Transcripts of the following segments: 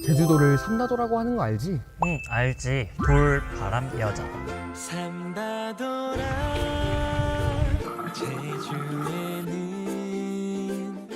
제주도를 삼다도라고 하는 거 알지? 응, 알지. 돌, 바람, 여자. 삼다도라 제주에는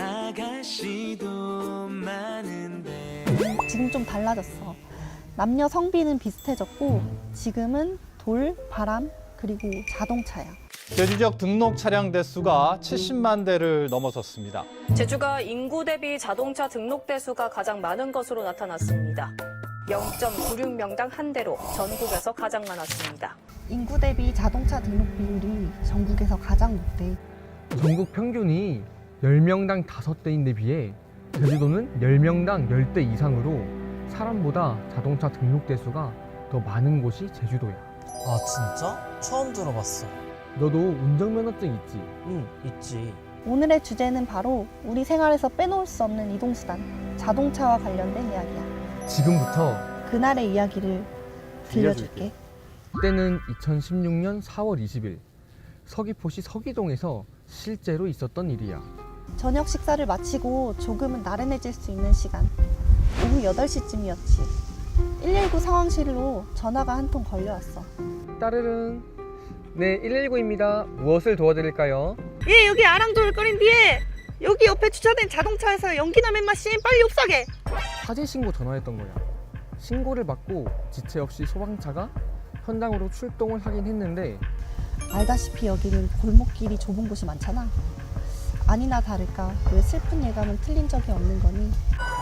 아가씨도 많은데. 지금 좀 달라졌어. 남녀 성비는 비슷해졌고 지금은 돌, 바람, 그리고 자동차야. 제주 지역 등록 차량 대수가 70만 대를 넘어섰습니다. 제주가 인구 대비 자동차 등록 대수가 가장 많은 것으로 나타났습니다. 0.96명당 한 대로 전국에서 가장 많았습니다. 인구 대비 자동차 등록 비율이 전국에서 가장 높대. 전국 평균이 10명당 5대인데 비해 제주도는 10명당 10대 이상으로 사람보다 자동차 등록 대수가 더 많은 곳이 제주도야. 아, 진짜? 처음 들어봤어. 너도 운전면허증 있지? 응, 있지. 오늘의 주제는 바로 우리 생활에서 빼놓을 수 없는 이동수단, 자동차와 관련된 이야기야. 지금부터 그날의 이야기를 들려줄게. 그때는 2016년 4월 20일 서귀포시 서귀동에서 실제로 있었던 일이야. 저녁 식사를 마치고 조금은 나른해질 수 있는 시간. 오후 8시쯤이었지. 119 상황실로 전화가 한 통 걸려왔어. 따르릉. 네, 119입니다. 무엇을 도와드릴까요? 예, 여기 아랑조울거린 뒤에 여기 옆에 주차된 자동차에서 연기나 맨마신 빨리 옵사게. 화재 신고 전화했던 거야. 신고를 받고 지체 없이 소방차가 현장으로 출동을 하긴 했는데 알다시피 여기는 골목길이 좁은 곳이 많잖아. 아니나 다를까 왜 슬픈 예감은 틀린 적이 없는 거니?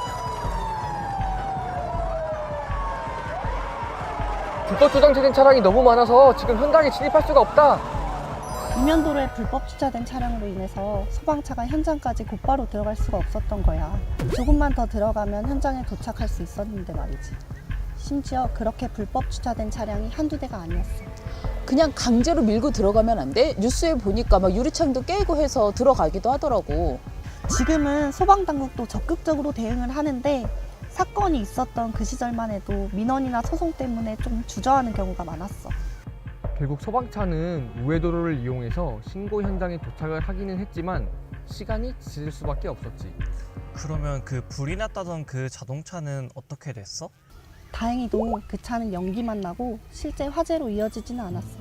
불법 주정차된 차량이 너무 많아서 지금 현장에 진입할 수가 없다. 이면도로에 불법 주차된 차량으로 인해서 소방차가 현장까지 곧바로 들어갈 수가 없었던 거야. 조금만 더 들어가면 현장에 도착할 수 있었는데 말이지. 심지어 그렇게 불법 주차된 차량이 한두 대가 아니었어. 그냥 강제로 밀고 들어가면 안 돼? 뉴스에 보니까 막 유리창도 깨고 해서 들어가기도 하더라고. 지금은 소방당국도 적극적으로 대응을 하는데 사건이 있었던 그 시절만 해도 민원이나 소송 때문에 좀 주저하는 경우가 많았어. 결국 소방차는 우회도로를 이용해서 신고 현장에 도착을 하기는 했지만 시간이 지질 수밖에 없었지. 그러면 그 불이 났다던 그 자동차는 어떻게 됐어? 다행히도 그 차는 연기만 나고 실제 화재로 이어지지는 않았어.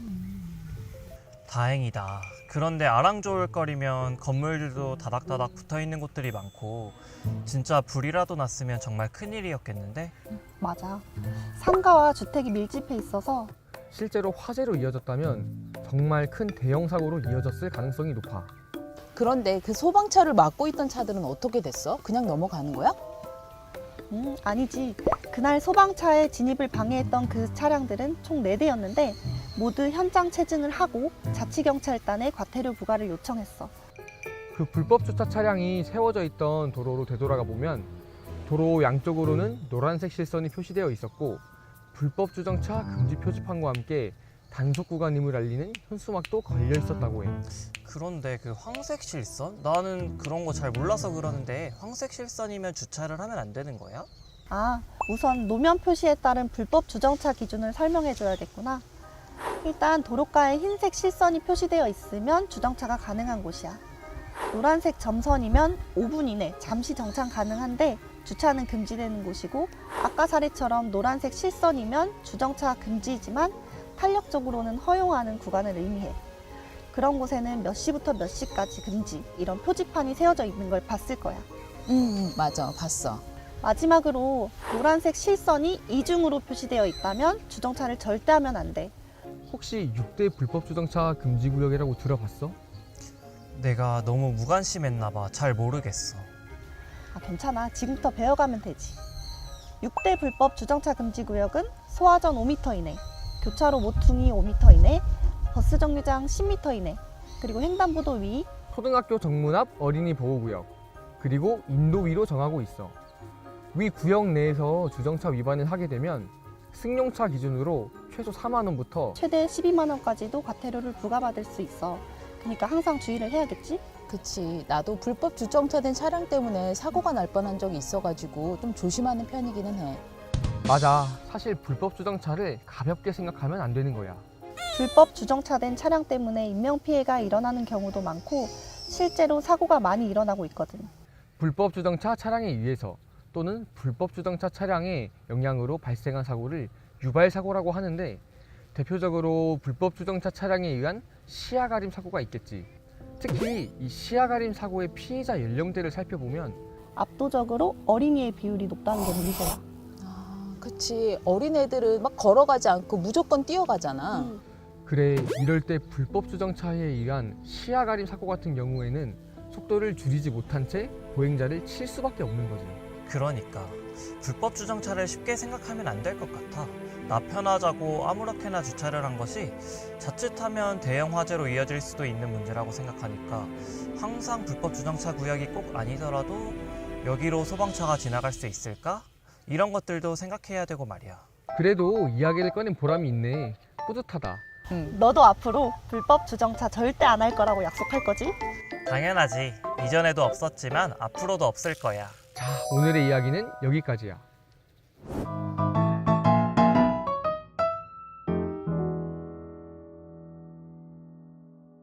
다행이다. 그런데 아랑조울거리면 건물들도 다닥다닥 붙어있는 곳들이 많고 진짜 불이라도 났으면 정말 큰일이었겠는데? 맞아. 상가와 주택이 밀집해 있어서 실제로 화재로 이어졌다면 정말 큰 대형 사고로 이어졌을 가능성이 높아. 그런데 그 소방차를 막고 있던 차들은 어떻게 됐어? 그냥 넘어가는 거야? 아니지. 그날 소방차의 진입을 방해했던 그 차량들은 총 4대였는데 모두 현장 체증을 하고 자치경찰단에 과태료 부과를 요청했어. 그 불법 주차 차량이 세워져 있던 도로로 되돌아가 보면 도로 양쪽으로는 노란색 실선이 표시되어 있었고 불법 주정차 금지 표지판과 함께 단속 구간임을 알리는 현수막도 걸려 있었다고 해. 그런데 그 황색 실선? 나는 그런 거 잘 몰라서 그러는데 황색 실선이면 주차를 하면 안 되는 거야? 우선 노면 표시에 따른 불법 주정차 기준을 설명해 줘야겠구나. 일단 도로가에 흰색 실선이 표시되어 있으면 주정차가 가능한 곳이야. 노란색 점선이면 5분 이내 잠시 정차 가능한데 주차는 금지되는 곳이고, 아까 사례처럼 노란색 실선이면 주정차 금지이지만 탄력적으로는 허용하는 구간을 의미해. 그런 곳에는 몇 시부터 몇 시까지 금지 이런 표지판이 세워져 있는 걸 봤을 거야. 맞아. 봤어. 마지막으로 노란색 실선이 이중으로 표시되어 있다면 주정차를 절대 하면 안 돼. 혹시 6대 불법 주정차 금지 구역이라고 들어봤어? 내가 너무 무관심했나 봐. 잘 모르겠어. 괜찮아. 지금부터 배워가면 되지. 6대 불법 주정차 금지 구역은 소화전 5m 이내, 교차로 모퉁이 5m 이내, 버스 정류장 10m 이내, 그리고 횡단보도 위, 초등학교 정문 앞 어린이 보호구역, 그리고 인도 위로 정하고 있어. 위 구역 내에서 주정차 위반을 하게 되면 승용차 기준으로 최소 4만 원부터 최대 12만 원까지도 과태료를 부과받을 수 있어. 그러니까 항상 주의를 해야겠지? 그치. 나도 불법 주정차된 차량 때문에 사고가 날 뻔한 적이 있어가지고 좀 조심하는 편이기는 해. 맞아. 사실 불법 주정차를 가볍게 생각하면 안 되는 거야. 불법 주정차된 차량 때문에 인명피해가 일어나는 경우도 많고 실제로 사고가 많이 일어나고 있거든. 불법 주정차 차량에 의해서 또는 불법 주정차 차량의 영향으로 발생한 사고를 유발 사고라고 하는데, 대표적으로 불법 주정차 차량에 의한 시야 가림 사고가 있겠지. 특히 이 시야 가림 사고의 피해자 연령대를 살펴보면 압도적으로 어린이의 비율이 높다는 게 문제야. 아, 그치. 어린애들은 막 걸어가지 않고 무조건 뛰어가잖아. 그래, 이럴 때 불법 주정차에 의한 시야 가림 사고 같은 경우에는 속도를 줄이지 못한 채 보행자를 칠 수밖에 없는 거지. 그러니까 불법 주정차를 쉽게 생각하면 안 될 것 같아. 나 편하자고 아무렇게나 주차를 한 것이 자칫하면 대형 화재로 이어질 수도 있는 문제라고 생각하니까 항상 불법 주정차 구역이 꼭 아니더라도 여기로 소방차가 지나갈 수 있을까? 이런 것들도 생각해야 되고 말이야. 그래도 이야기를 꺼낸 보람이 있네. 뿌듯하다. 너도 앞으로 불법 주정차 절대 안 할 거라고 약속할 거지? 당연하지. 이전에도 없었지만 앞으로도 없을 거야. 자, 오늘의 이야기는 여기까지야.